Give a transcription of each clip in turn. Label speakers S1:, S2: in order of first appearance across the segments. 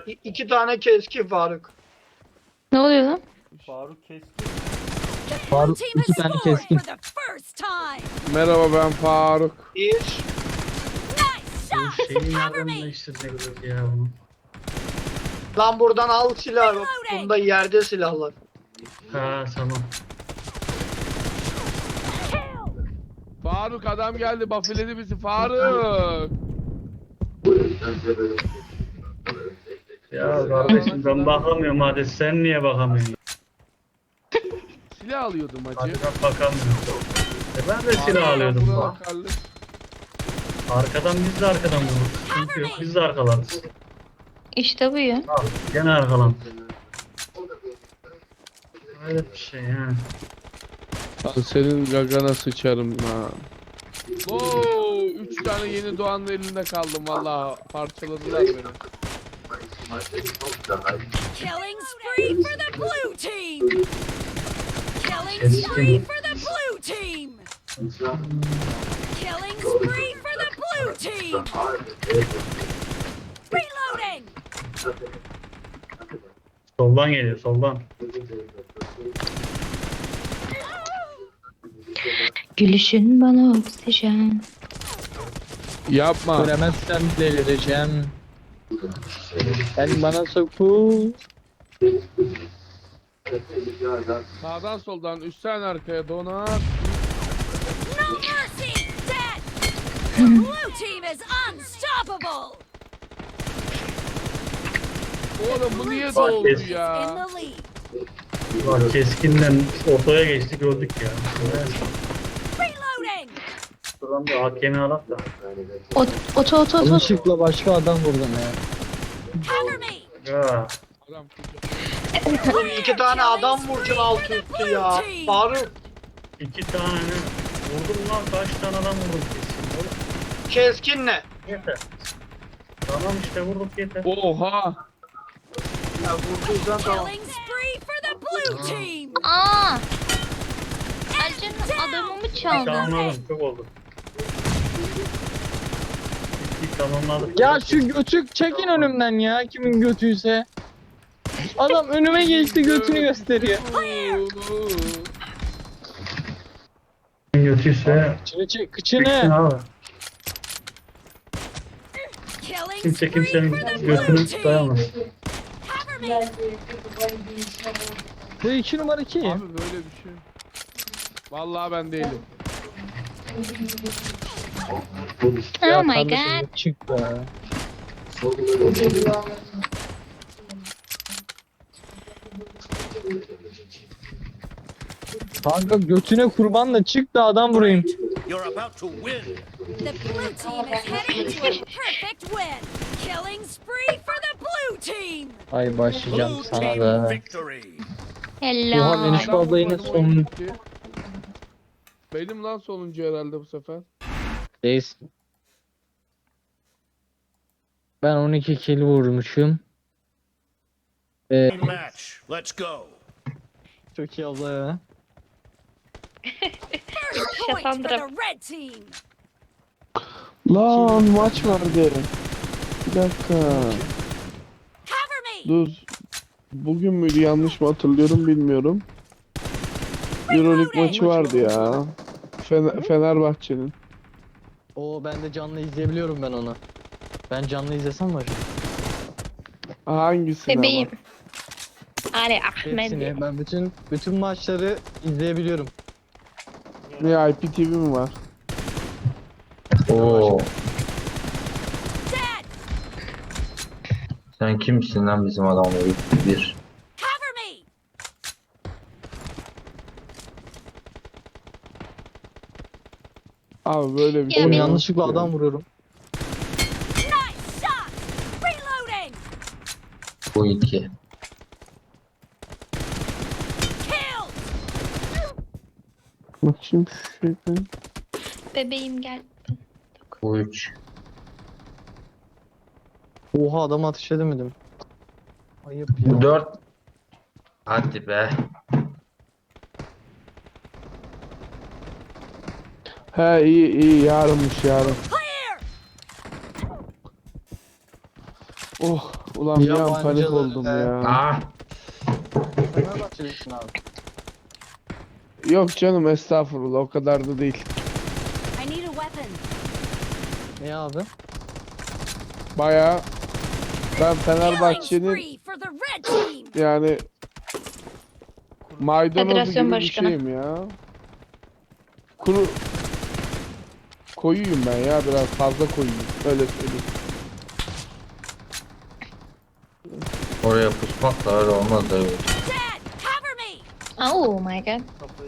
S1: İki tane keskin Faruk.
S2: Ne oluyor lan?
S3: Faruk keskin.
S4: Faruk iki tane keskin.
S5: Merhaba ben Faruk.
S1: Bir.
S4: Bu şeyi nereden değiştirecekler ya bunu?
S1: Lan buradan al silah. Bunda yerde silahlar.
S4: Ha tamam.
S5: Faruk adam geldi buffledi bizi Faruk.
S4: Ya kardeşim ben bakamıyorum, hadi sen niye bakamıyorsun?
S5: Silah alıyordum
S4: Hadi
S5: hacı.
S4: ben bakamıyorum. Ben de silah alıyordum
S5: Buna
S4: bak.
S5: bakarlık.
S4: Arkadan biz de arkadan vururuz. Sıkıntı yok, biz de arkalarız.
S2: İşte bu ya.
S4: Al gene arkalan. Öyle bir şey yani.
S5: Lan senin gagana sıçarım lan. Oo, 3 tane yeni doğanın elinde kaldım valla parçaladılar beni.
S6: Killing spree for the blue team. Killing spree for the blue team. Killing spree for the blue team. Reloading.
S4: Soldan geliyor, soldan.
S2: Gülüşün bana oksijen.
S5: Yapma.
S4: Göremezsem delireceğim. Sen bana soku.
S5: Sağdan soldan üstten arkaya donar.
S6: No mercy. Dead. The blue team is unstoppable.
S5: Oğlum bu niye
S4: Bak,
S5: doldu
S4: kes.
S6: In
S5: ya?
S6: the lead.
S4: Bak keskinden ortaya geçtik, öldük ya.
S6: Reloading.
S4: Şuradan bir hakemi alak da.
S2: Oto.
S7: Yanlışlıkla başka adam vurdum ya.
S6: Cover me.
S4: Ya.
S5: Adam
S1: Oğlum iki tane adam vuracaksın alt üstü ya. Faruk.
S4: 2 tane vurdum lan, kaç tane adam vurdum kesin oğlum.
S1: Keskin ne?
S4: Yeter. Tamam işte vurduk yeter.
S5: Oha.
S1: Ya vurduysan tamam.
S6: Killing spree for the blue team.
S2: Aa! Ercan'ın adamımı çaldı.
S4: Tamamladım, çok oldu. Bir tamamladık.
S7: Ya şu götü çekin önümden ya, kimin götüyse. Adam önüme geçti, götünü gösteriyor.
S4: Götüyse
S7: Kıçını çek,
S4: çeksin
S7: kıçını.
S4: abi.
S6: Killing
S4: Kimse
S6: spree
S4: kimsenin
S6: for the blue
S4: götünü
S6: team.
S4: dayamaz.
S6: Cover me.
S7: Bu 2 numara kim?
S5: Abi böyle bir şey. Vallahi ben değilim.
S2: Oh my
S7: kardeşim,
S2: god.
S7: çık be. Kanka götüne kurban da çık da adam vurayım.
S8: You're about to win.
S6: The blue team is heading to a perfect win. Killing spree for the blue team.
S7: Ay başlayacağım
S8: Blue
S7: sana
S8: team
S7: da.
S8: victory.
S2: Hello.
S7: Oha, beni şu abla yine son...
S5: Benim lan sonuncu herhalde bu sefer.
S7: Değilsin. Ben 12 kill vurmuşum.
S8: Match. Let's go.
S7: Çok iyi abla ya.
S6: First point for the red team.
S5: Lan maç vardı. Bir dakika.
S6: Cover me.
S5: Dur. Bugün müydü yanlış mı hatırlıyorum bilmiyorum. Euroleague maçı vardı ya. Fenerbahçe'nin.
S7: Oo, ben de canlı izleyebiliyorum ben onu. Ben canlı izlesem mi acaba?
S5: Hangisini
S2: Bebeğim. Ali Ahmet.
S7: Hepsini. Ben bütün maçları izleyebiliyorum.
S5: ama? VIP TV mi var?
S9: Oo,
S6: Dead.
S9: sen kimsin lan bizim adamları? Bir.
S6: Cover me.
S5: Abi böyle bir
S2: Ya
S5: şey.
S7: Oğlum
S2: benim-
S7: yanlışlıkla adam vuruyorum.
S6: Nice shot. Reloading.
S9: Bu iki.
S6: Kill.
S5: Bakayım şu şeyden.
S2: Bebeğim gel.
S9: Bu üç.
S7: Oha, adam ateş edemedim. Ayıp
S9: Bu
S7: ya.
S9: dört. Hadi be.
S5: He iyi yarınmış yarın.
S6: Clear.
S5: Oh Ulan bir an
S7: Yabancılar
S5: panik oldum
S7: be.
S5: ya.
S9: Ah.
S7: Fenerbahçelisin abi.
S5: Yok canım estağfurullah o kadar da değil.
S6: I need a weapon.
S7: Ne abi?
S5: Baya ben
S6: Killing
S5: Fenerbahçe'nin
S6: spree for the red team.
S5: yani maydanozu
S2: Federasyon
S5: gibi bir
S2: başkanı.
S5: şeyim ya. Kuru koyuyum ben ya biraz fazla koyuyum öyle söyleyeyim.
S9: Oraya pusmak da öyle olmaz da.
S6: Dead. Cover me.
S2: Oh my god.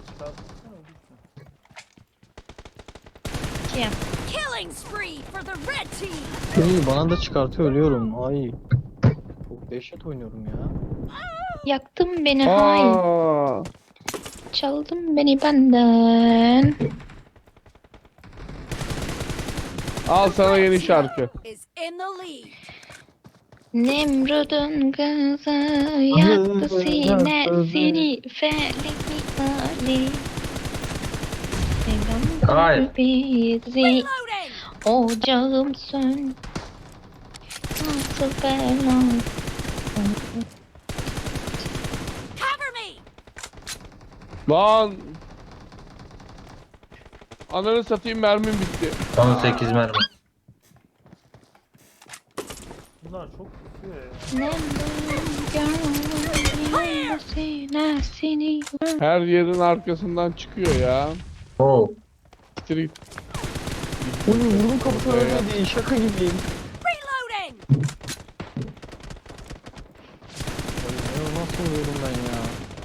S2: Kim?
S6: Killing spree for the red team.
S7: İyi bana da çıkartıyor ölüyorum. Ay. Çok dehşet oynuyorum ya.
S2: Yaktın beni hain.
S5: Aa,
S2: Çaldın beni benden.
S5: al sana yeni şarkı.
S6: Is in the lead.
S2: Nemrud'un kızı yaktı sinesini felek misali.
S9: Hayır.
S2: Sevdam bizi
S6: Reloading.
S2: ocağım sön. Nasıl bela.
S6: Cover me.
S5: Lan. Ananı satayım mermim bitti.
S9: Son 8 mermi.
S2: Nemrud'un sinesini.
S5: Her yerin arkasından çıkıyor ya.
S9: Oo.
S5: Street.
S7: Uy vurdum kapısına ölmedi. Şaka gibiyim.
S6: Reloading.
S7: Ya nasıl oluyorum ben ya?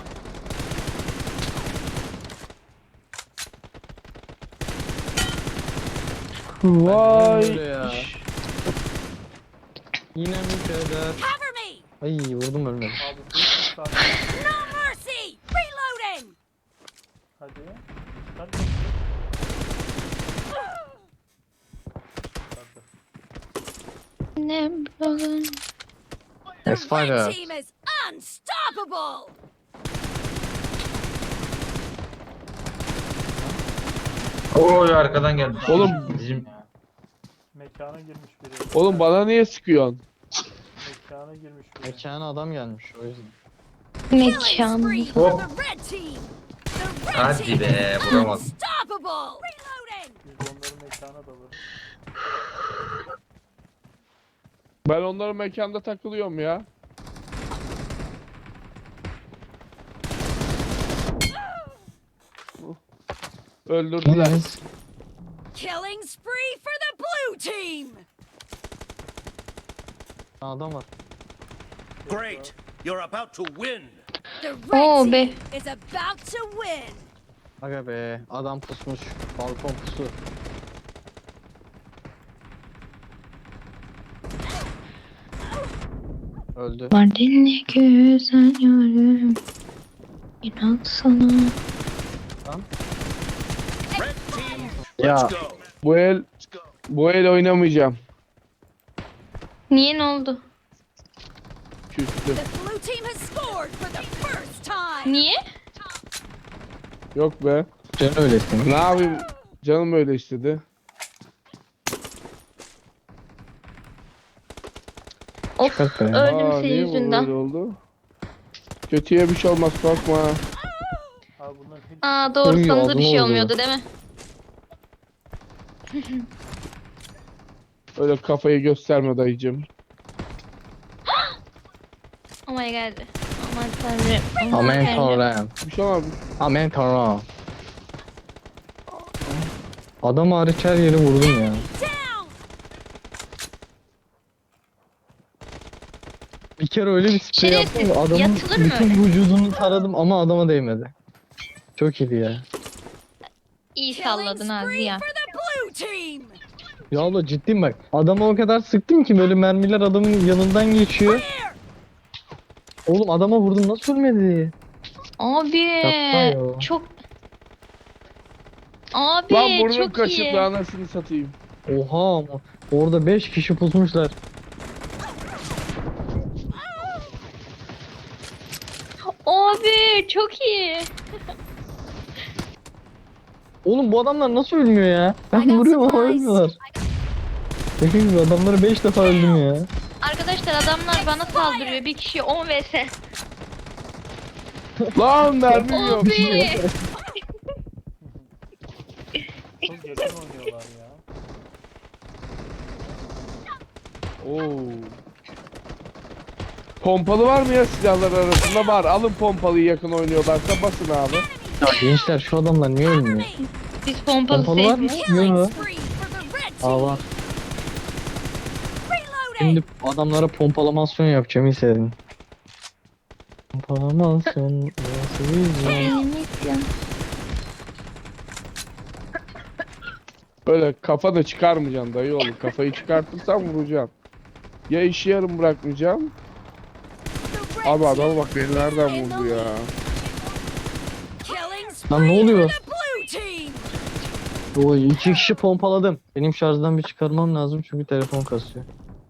S5: Vay.
S7: Öyle ya. Yine mi kadar?
S6: Cover me.
S7: Ay vurdum ölmedi.
S6: No mercy. Reloading.
S2: Nemrud'un
S6: The
S7: Spider.
S6: red team is unstoppable.
S9: Oy arkadan geldi.
S5: Oğlum.
S9: Bizim
S3: Mekana girmiş biri.
S5: Oğlum bana niye sıkıyorsun?
S3: Mekana girmiş biri.
S7: Mekana adam gelmiş o yüzden.
S6: Killing
S2: mekan.
S6: spree for
S9: Hop.
S6: the red team. The red
S9: Hadi
S6: team
S9: be,
S6: is
S9: vuramadım.
S6: unstoppable. Reloading.
S3: Biz onları mekana dalarız.
S5: Ben onların mekanda takılıyorum ya. Öldürdüler.
S6: Killing spree for the blue team.
S7: Adam var.
S8: Great. You're about to win.
S6: The red
S2: Oh
S6: team
S2: be.
S6: is about to win.
S7: Aga be adam pusmuş. Balkon pusu. Öldü.
S2: Mardinli güzel yürüm. İnan sana.
S8: Red team,
S7: Ya.
S8: let's go.
S5: Bu el oynamayacağım.
S2: Niye ne oldu?
S5: Küstü.
S6: The blue team has scored for the first time.
S2: Niye?
S5: Yok be.
S7: Sen öylesin.
S5: Ne yapayım? Canım öyle istedi.
S2: Of
S7: Çıkart be.
S2: öldüm senin
S5: niye bu
S2: yüzünden.
S5: böyle oldu? Kötüye bir şey olmaz korkma.
S3: Abi bunların hepsi
S2: Aa doğru
S7: Uy,
S2: sana da
S7: ağzıma
S2: bir şey
S7: vurdu.
S2: olmuyordu değil mi?
S5: Öyle kafayı gösterme dayıcım.
S2: Oh my god. Aman tanrım.
S7: Amen
S2: tanrım.
S7: tanrım.
S5: Bir şey olmaz.
S7: Amen tanrım. Adam hariç her yeri vurdum ya.
S6: Down.
S7: Bir kere öyle bir sprey
S2: Şerefsiz,
S7: yaptım ki adamın
S2: yatılır mı
S7: bütün
S2: öyle?
S7: vücudunu taradım ama adama değmedi. Çok iyiydi ya.
S2: İyi
S6: Killing
S2: salladın Azi
S6: spree
S2: ya.
S6: for the blue team.
S7: Ya abla ciddiyim bak. Adama o kadar sıktım ki böyle mermiler adamın yanından geçiyor.
S6: Clear.
S7: Oğlum adama vurdum nasıl ölmedi?
S2: Abi
S7: ya.
S2: çok... Abi
S5: Lan burnum
S2: çok
S5: kaşıntı
S2: iyi.
S5: anasını satayım.
S7: Oha ama orada 5 kişi pusmuşlar.
S2: Abi çok iyi.
S7: Oğlum bu adamlar nasıl ölmüyor ya?
S6: I
S7: Ben
S6: got
S7: vuruyorum ama
S6: supplies.
S7: ölmüyorlar. Peki gibi adamları 5 defa öldüm ya.
S2: Arkadaşlar Gençler adamlar bana saldırıyor. Bir kişi 10 vs.
S5: Lan mermim yok.
S2: Abi.
S3: Çok yakın oynuyorlar ya.
S5: Oo. Pompalı var mı ya silahlar arasında? Var. Alın pompalıyı yakın oynuyorlarsa basın abi.
S7: Ya gençler şu adamlar niye ölmüyor?
S2: Biz pompalı
S7: Pompalı var mı?
S2: sevmiyoruz.
S7: Yok.
S6: Spree for the red
S7: Aa
S6: team.
S7: var.
S6: Reloading.
S7: Şimdi adamlara pompalamasyon yapacağım hissedin. Pompalamasyon nasıl güzel.
S5: Öyle kafa da çıkarmayacaksın dayı oğlum. Kafayı çıkartırsan vuracaksın. Ya işi yarım bırakmayacağım.
S6: The red
S5: Abi
S6: team
S5: adama bak beni nereden vurdu ya.
S6: killing
S7: Lan ne
S6: spree
S7: oluyor?
S6: for the blue team.
S7: Oy 2 kişi pompaladım. Benim şarjdan bir çıkarmam lazım çünkü telefon kasıyor.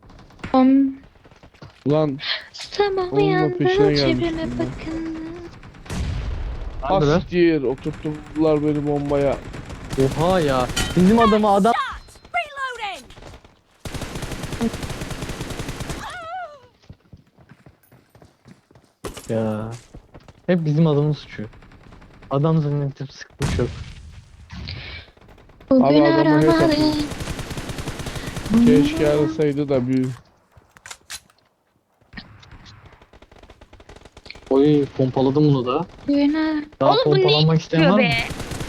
S5: Ulan
S2: Sabah
S5: Onun da peşine
S2: uyandım
S5: gelmiştim
S2: çevreme
S5: ben.
S2: bakın.
S7: Neredeler?
S5: hastir oturttular beni bombaya.
S7: Oha ya. Bizim adama adam...
S6: Shot. Reloading.
S7: Ya. Hep bizim adamın suçu. Adam zannedip sıkmış yok.
S2: Bugün
S5: Abi adamı ne
S2: aramalı.
S5: Keşke arasaydı da bir
S7: Oy pompaladım bunu da.
S2: Bugün ar-
S7: Daha
S2: Oğlum bu ne
S7: pompalanmak isteyen var
S2: yapıyor
S7: mı?
S2: be?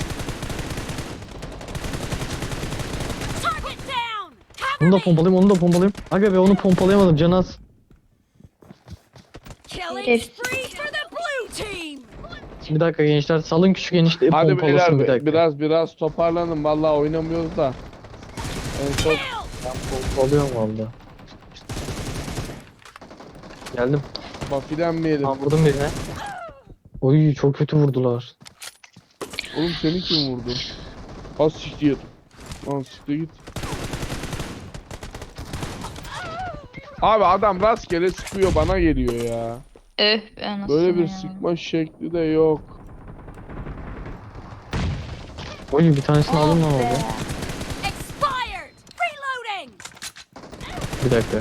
S6: Target down.
S7: Onu da
S6: Cover me.
S7: pompalayayım, onu da pompalayayım. Aga be onu pompalayamadım canı az.
S6: Killing
S2: Herif.
S6: spree for the blue team.
S7: Bir dakika gençler salın küçük enişteyi
S5: hadi
S7: pompalasın bir
S5: beyler
S7: dakika.
S5: biraz toparlanın vallahi oynamıyoruz da. En son
S6: Kill.
S7: Pompalıyorum valla. Geldim.
S5: bafilenmeyelim.
S7: Ha vurdum birine. Oy çok kötü vurdular.
S5: Oğlum seni kim vurdu? Az siktir. Lan siktir git. Abi adam rastgele sıkıyor bana geliyor ya.
S2: Öf be anasını
S5: Böyle bir
S2: ya.
S5: sıkma şekli de yok.
S7: Oy bir tanesini aldım lan orada.
S6: Expired. Reloading.
S7: Bir dakika.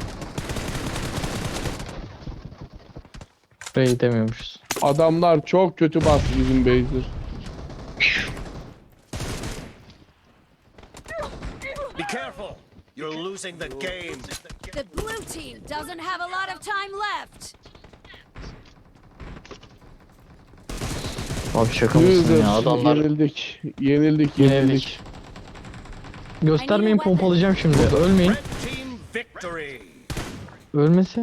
S7: Buraya gidemiyormuşuz.
S5: Adamlar çok kötü bastı bizim base'dir.
S8: Be careful. You're losing the game.
S6: The blue team doesn't have a lot of time left.
S7: Abi şaka mısın
S5: Yüzdür.
S7: ya adamlar.
S5: Yenildik. Yenildik.
S7: Yenildik. Göstermeyin pompalayacağım şimdi. Ölmeyin.
S8: Red team victory.
S7: Ölmesi.